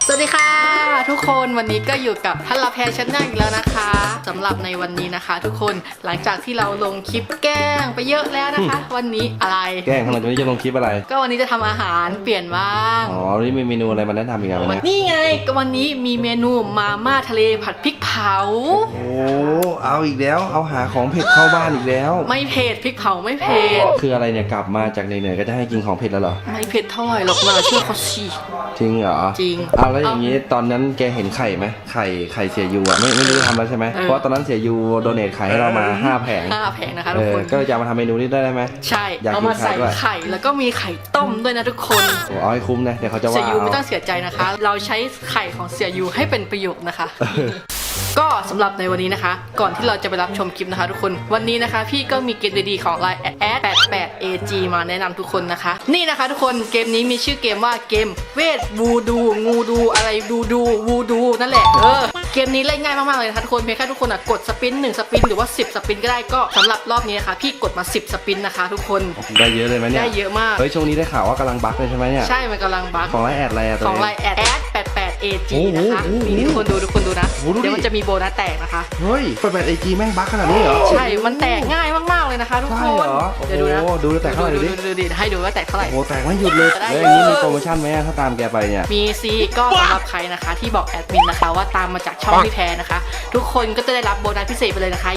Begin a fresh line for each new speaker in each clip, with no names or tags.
สวัสดีค่ะทุกคนวันนี้ก็อยู่กับทัลลาแพรชแนลอีกแล้วนะคะสำหรับในวันนี้นะคะ ทุกคนหลังจากที่เราลงคลิปแกล้งไปเยอะแล้วนะคะ วันนี้อะไร
แกล้งทำไมวันนี้จะลงคลิปอะไร
ก็วันนี้จะทำอาหารเปลี่ยนบ้าง
อ๋อวันนี้มีเมนูอะไรมาแนะนำอีกแล้วเนี่ย
นี่ไงก็วันนี้มีเมนูมาม่าทะเลผัดพริกเผา
โอ้เอาอีกแล้วเอาหาของเผ็ดเข้าบ้านอีกแล้ว
ไม่เผ็ดพริกเผาไม่เผ็ด
คืออะไรเนี่ยกลับมาจากเหนื่อยๆก็จะให้กินของเผ็ดแล้วเหรอ
ไม่เผ็ดเท่าไหร่หรอกนะเชื่อเขาสิ
จริงเหรอ
จริง
เอาแล้วอย่างนี้ตอนนั้นแกเห็นไข่ไหมไข่เสียยูอ่ะไม่รู้ทำแล้วใช่ไหมเพราะตอนนั้นเสียยูโดเนทไข่ให้เรามา5 แผง
นะคะทุกคน
ก็จะมาทำเมนูนี้ได้ไหม
ใช่เอามาใส่ไข่แล้วก็มีไข่ต้มด้วยนะทุกคน
โอ้เอาให้คุ้มนะเดี๋ยวเขาจะว่า
เสียยูไม่ต้องเสียใจนะคะเราใช้ไข่ของเสียยูให้เป็นประโยชน์นะคะก็สำหรับในวันนี้นะคะก่อนที่เราจะไปรับชมคลิปนะคะทุกคนวันนี้นะคะพี่ก็มีเกมดีๆของ Line @88AG มาแนะนำทุกคนนะคะนี่นะคะทุกคนเกมนี้มีชื่อเกมว่าเกมเวทวูดูงูดูอะไรดูวูดูนั่นแหละเกมนี้เล่นง่ายมากๆเลยนะคะทุกคนเพียงแค่ทุกคนกดสปิน1สปินหรือว่า10สปินก็ได้ก็สำหรับรอบนี้นะคะพี่กดมา10สปินนะคะทุกคน
ได้เยอะเลยไหมเนี่ย
ได้เยอะมาก
เฮ้ยช่วงนี้ได้ข่าวว่ากำลังบั๊กเลยใช่ไหมเนี่ย
ใช่มันกำลังบั๊ก
ของไลน์แอดอะไรอะ
ของไลน์88AG นะคะนี่ทุกคนดูนะเดี๋ยวมันจะมีโบนัสแตกนะคะ
เฮ้ย88AGแม่งบั๊กขนาดนี้เหรอ
ใช่มันแตกง่ายมากๆเลยนะคะทุกคน
เดี๋ยวดูนะดูแตกเท่าไหร่
ดิให้ดูว่าแตกเท่าไหร่
โอ้แตกไม่หยุดเลยแล้วอย่างนี้มีโปรโมชั่นไหมถ้าตามแกไปเนี่ย
มีซีก็สำหรับใครนะคะที่บอกแอดมินนะคะว่าตามมาจากช่องพี่แพรนะคะทุกคนก็จะได้รับโบนัสพิเศษไปเลยนะคะ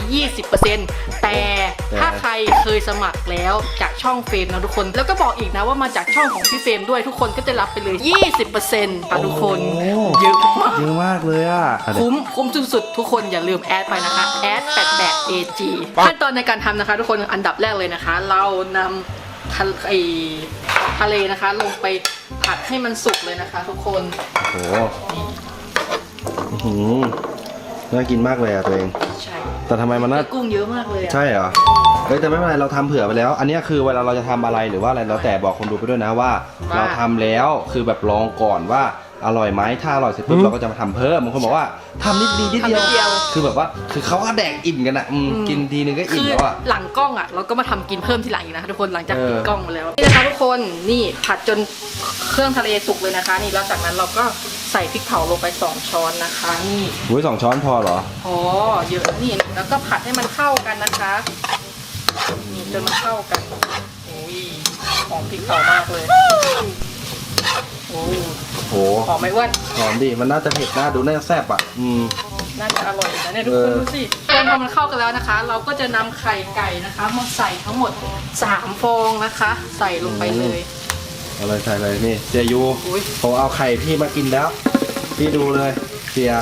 20% แต่ถ้าใครเคยสมัครแล้วจากช่องเฟรมนะทุกคนแล้วก็บอกอีกนะว่ามาจากช่องของพี่เฟรมด้วยทุกคนก็จะรับไปเลย 20% ค่ะทุกคนเยอะ
มากเลยอ่ะ
คุ้มสุดๆทุกคนอย่าลืมแอดไปนะคะแอด88AG ขั้นตอนในการทำนะคะทุกคนอันดับแรกเลยนะคะเรานำทะเลนะคะลงไปผัดให้มันสุกเลยนะคะทุกคน
โอ้โหน่ากินมากเลยอ่ะตัวเอง
ใช่
แต่ทำไมมันน่า
กุ้งเยอะมากเลย
ใช่เหรอแต่ไม่เป็นไรเราทำเผื่อไปแล้วอันนี้คือเวลาเราจะทำอะไรหรือว่าอะไรแล้วแต่บอกคนดูไปด้วยนะว่าเราทำแล้วคือแบบลองก่อนว่าอร่อยไหมถ้าอร่อยเสร็จปุ๊บเราก็จะมาทำเพิ่มบางคนบอกว่าทำนิดเดียวคือแบบว่าคือเขาก็แดกอิ่มกันอะกินทีนึงก็อิ่มแล้วอะ
หลังกล้องอะเราก็มาทำกินเพิ่มทีหลังอีกนะคะทุกคนหลังจากปิดกล้องมาแล้วนี่นะคะทุกคนนี่ผัดจนเครื่องทะเลสุกเลยนะคะนี่แล้วจากนั้นเราก็ใส่พริกเผาลงไป2 ช้อนนะคะนี่
2 ช้อนพอเหรอ
พอเยอะนี่แล้วก็ผัดให้มันเข้ากันนะคะนี่จนมันเข้ากันโอ้ยหอมพริกเผามากเลยโอ้โหหอมไหมอ้วน
หอมดิมันน่าจะเผ็ดน่าดูน่าจะแซ่บอ่ะ
น่าจะอร่อยนะเนี่ยทุกคนดูสิพอมันเข้ากันแล้วนะคะเราก็จะนำไข่ไก่นะคะมาใส่ทั้งหมด3 ฟองนะคะใส่ลงไปเลย
อะไรใส่เลยนี่เสียยูผมเอาไข่พี่มากินแล้วพี่ดูเลยเสีย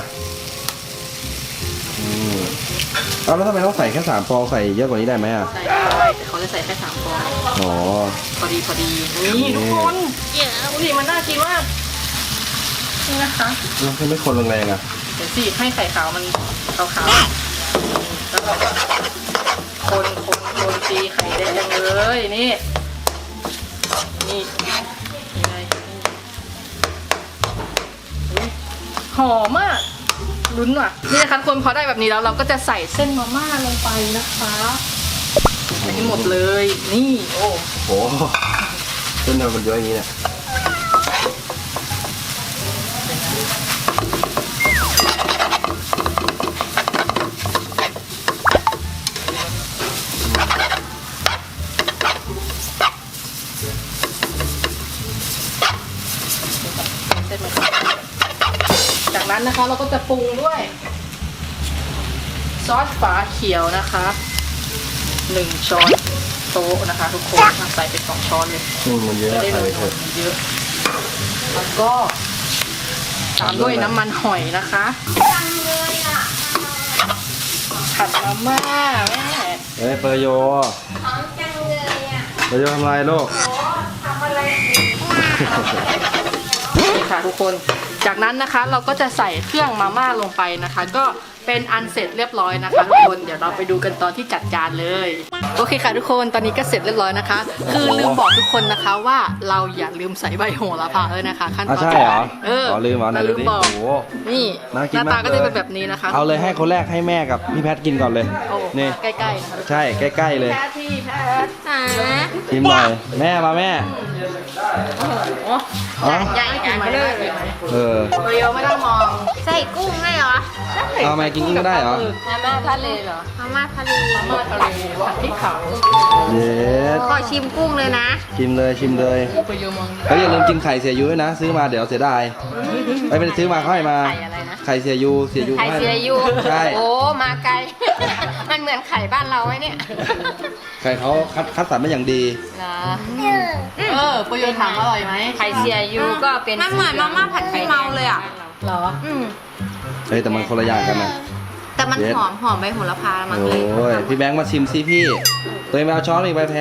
เอาแล้วทำไมต้องใส่แค่3 ฟองใส่เยอะกว่านี้ได้ไหมอ่ะ
ใส่ได้แต่เขาจะใส่แค่3 ฟอง
อ๋อ
พอดีนี่ทุกคนดูดิมันน่ากินมากนี่นะคะ
แล้วไม่คนแรงๆอ่ะ
เดี๋ยวสิให้ไข่ขาวมันขาวๆแล้วก็คนตีไข่แดงเลยนี่ยังไงหอมมากลุ้นว่ะนี่นะคะคนพอได้แบบนี้แล้วเราก็จะใส่เส้นมาม่าลงไปนะคะใส่ให้หมดเลยนี่โอ้
โหเส้นมันเยอะอย่างนี้เนี่ย
จากนั้นนะคะเราก็จะปรุงด้วยซอสฝาเขียวนะคะ1 ช้อนโต๊ะนะคะทุกคนใส่ไป2 ช้อนเลย
มันเยอะ
ใส่ไปเยอะแล้วก็ตามด้วยน้ำมันหอยนะคะผัดมาม่าแม่
เปอร์โยเปอร์โยทำอะไรลูก
นี่ค่ะทุกคนจากนั้นนะคะเราก็จะใส่เครื่องมาม่าลงไปนะคะก็เป็นอันเสร็จเรียบร้อยนะคะทุกคนเดี๋ยวเราไปดูกันตอนที่จัดจานเลยโอเคค่ะทุกคนตอนนี้ก็เสร็จเรียบร้อยนะคะคือลืมบอกทุกคนนะคะว่าเราอย่าลืมใส่ใบโหระพาเลยนะคะขั้นตอน
ใช่เหรอลืม
บอกนี่หน้าตาก็จะเป็นแบบนี้นะคะ
เอาเลยให้คนแรกให้แม่กับพี่แพทกินก่อนเลยนี่
ใกล้ๆนะคะ
ใช่ใกล้ๆเลย
พี่แพท
กินหน่อยแม่มาแม่
โอ้โห
ใหญ่ๆไปเลย
เออ
โปรโยไม่ต้องมอง
ใส่กุ้งให้เหรอ
เอามากินกุ้งก็ได้เหรอ
มาม่าทะเลเหรอมาม่าทะเล
มาม่าทะเลผัดพริกเผา
เย็ด
ขอชิมกุ้งเลยนะ
ชิมเลยชิมเลย
โปรโยมอง
แล้วอย่าลืมกินไข่เสียยูด้วยนะ ซื้อมาเดี๋ยวเสียดายไม่เป็นซื้อมาค่อยมา
ไข่อะไรนะ
ไข่เสียยูเสียยู
ไข่เสียยู
ใช่
โอ้มาไกล มันเหมือนไข่บ้านเราไหมเนี่ย
ไข่เขาคัดสรรมาอย่างดี
เหรอ
โปรโยถามอร่อยไหม
ไข่เสียยูก็เป็นมันเหมือนมาม่าผัดขี้เมาเลยอ่ะ
เหรอ
เฮ้ยแต่มันคนละอย่างกันนะ
แต่มัน
เย็ด
หอมใบโหระพามัน
โอ
เลย้
ยพี่แบงค์มาชิมซิพี่ตัวเองไปเอาช้อนอีกใบแพร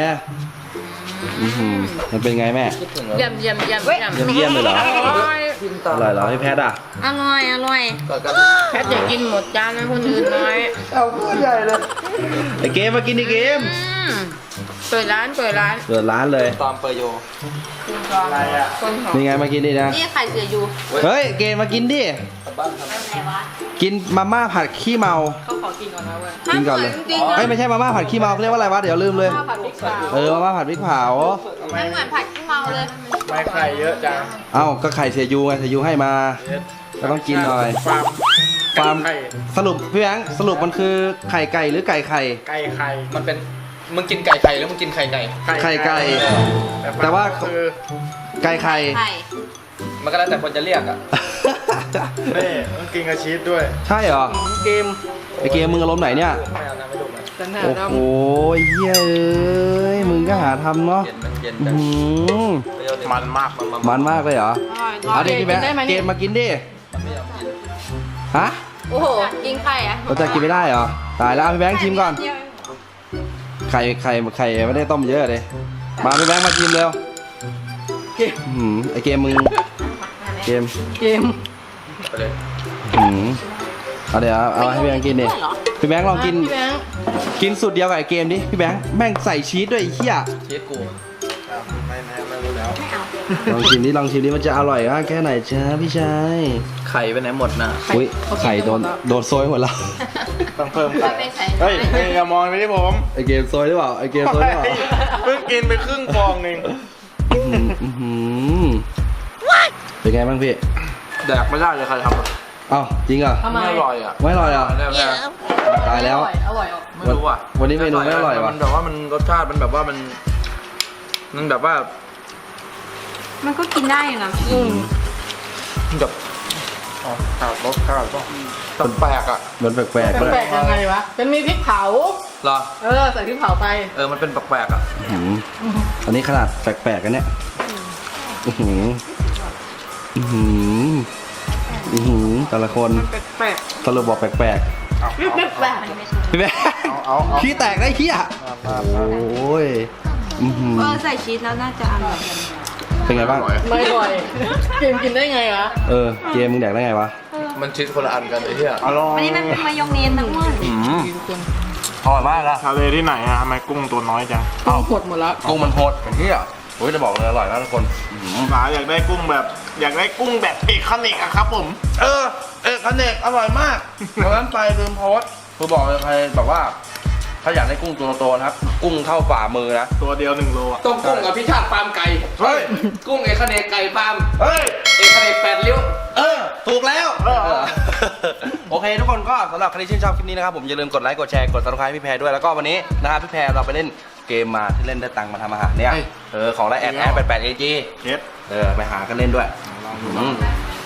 มันเป็นไงแม่
เยี่ยมเยี่ยมเยี่ยม
เยี่ยมเลยเหรอ
อร่อย
อร่อยเหรอพี่แพทอ่ะ
อร่อยอร่อยแพทย์อยากกินหมดจานให้คนอื่นน้อย
เอาเพื่อนใหญ่เลยไอเกมมากินไอเกม
เปิดร้าน
เปิดร้านเลย
ตอมเปอร์โย
อะไรอ่ะ
คนหอม
นี่ไงมากินดินะ
นี่ไข่เสียยู
เฮ้ยเกมมากินดิกินมาม่าผัดขี้เมา
เขาขอกินก่อนนะเว้ย
กินก่อนเลยเอ้ยไม่ใช่มาม่าผัดขี้เมาเขาเรียกว่าอะไรวะเดี๋ยวลืมเลย
ข้าวผัดพริกเผา
มาม่าผัดพริกเผา
ไม่เหมือนผัดขี้เมาเลย
ไม่ไข่เยอะจัง
เอ้าก็ไข่เสียยูไงเสียยูให้มาก็ต้องกินหน่อย
ฟาร์ม
ฟาร์มสรุปพี่แบงค์สรุปมันคือไข่ไก่หรือไก่ไข่
ไก่ไข่มันเป็นมึงกินไก่ไข่หรือมึงกินไข่ไก่
ไข่ไก่แต่ว่า
คือ
ไก่ไข่
ไข่
มันก็แล้วแต่คนจะเรียกอ่ะ
นี่ต้องกินกับชีสด้วย
ใช่เหรอ
เกม
ไอเกมมึงอารมณ์ไหนเนี่ย
ไม่เอาน้ำไม่ดูนะ
สันหา
โอ้
ด
โหเฮ้ยเอ้ยมึงก็หาทำเนาะ
เย็นมันเย็น
อื้อหือ
มันมาก
มันมากเลยเหรอเอาดิพี่แบงค์เกมมากินดิฮะ
โอ้โหกินไข่อะ
เราจะกินไม่ได้เหรอตายแล้วเอาพี่แบงค์ชิมก่อนไข่ไม่ได้ต้มเยอะเลยมาพี่แบงค์มาชิมเร็ว
เกม
อื้อหือไอเกมมึงเกม
เกม
ไปเลย
อื้อหือเอาเดี๋ยวเอาให้พี่แบงค์กินดิพี่แบงค์ลองกิน
พี่แบงค์
กินสูตรเดียวกับไอเกมดิพี่แบงค์แม่งใส่ชีสด้วยไอ้เหี้ย
เชีสกู
ไม่รู้แล้ว
ลองชิมดิมันจะอร่อยมากแค่ไหนจ้าพี่ชาย
ไข่ไปไหนหมดนะ
อุ้ยไข่โดนโซยหมดแล้ว
ต้องเพิ่มไข่
ไม่ใส่
เฮ้ยอย่ามองไปที่ผม
ไอเกมโซยหรือเปล่าไอเกมโซยหรือเปล่า
เพิ่งกินไปครึ่งฟองหนึ่ง
อื้อหือเป็นไงบ้างพี่
แดกไม่ได้เลยใครทำอะ
เอ้าจริงเหรอ
ทำไม
ไม่อร่อยอ่ะ
ไม่อร่อยเหรอ
แน่
ตายแล้ว
อร่อยออก
ๆไม่รู้อ่ะ
วันนี้เมนูไม่อร่อยว่ะ
มันแบบว่ามันรสชาติมันแบบว่ามันแบบว่า
มันก็กินได้อยู่นะ
มันแบบ
ขาดรสขาดป่ะ
แปลกๆอ่ะ
มันแปลกๆด้วย
แปลกยังไงวะเป็นมีพริกเผา
เหรอ
ใส่พริกเผาไป
มันเป็นแปลกๆอ่ะ
อื้อหืออันนี้ขนาดแปลกๆกันเนี่ยอื้อหืออื้อหืออื้อหือแต่ละคน
แปลก
สรุปบอกแปลก
แปลก
ๆพี่แบงค์ขี้แตกได้ขี้อ่ะโอ้ยอื้อหือ
ใส่ชีสแล้วน่าจะอร่อย
เป็นไงบ้าง
ไม่อร่อยเกมกินได้ไงวะ
เกมมึงแดกได้ไงวะ
มันชีสคนละอันกันไอ้เหี้ย
อร่อย
อันนี้มันเป็นมายองเนสนะอ้วน
อร่อยมากอะ
ทะเลที่ไหนอะทำไมกุ้งตัวน้อยจัง
หดหมดแล้ว
กุ้งมันโหดอย่างที่อ่ะโอ้ยจะบอกเลยอร่อยมากทุกคน
หาอยากได้กุ้งแบบเอกคาเนกอะครับผม
คเนกอร่อยมากเพราะฉะนั้นไปลืมโพสต์คือบอกเลยใครแบบว่า ถ้าอยากได้กุ้งตัวโตๆนะครับ กุ้งเท่าฝ่ามือนะ
ตัวเดียว1 โลอะ
ต้มกุ้งกับพิชาติฟาร์มไก่
เฮ้ย
กุ้งเอกเนกไก่ฟาร์ม
เฮ้ย
เอกเนก8 ริ้ว
ถูกแล้ว โอเคทุกคนก็สำหรับใครที่ชื่นชอบคลิปนี้นะครับผมอย่าลืมกดไลค์กดแชร์กดซับสไครต์พี่แพรด้วยแล้วก็วันนี้นะครับพี่แพรเราไปเล่นเกมมาที่เล่นได้ตังค์มาทำอาหารเนี่ยของไลน์แอด88 AG
เจ็ด
ไปหากันเล่นด้วย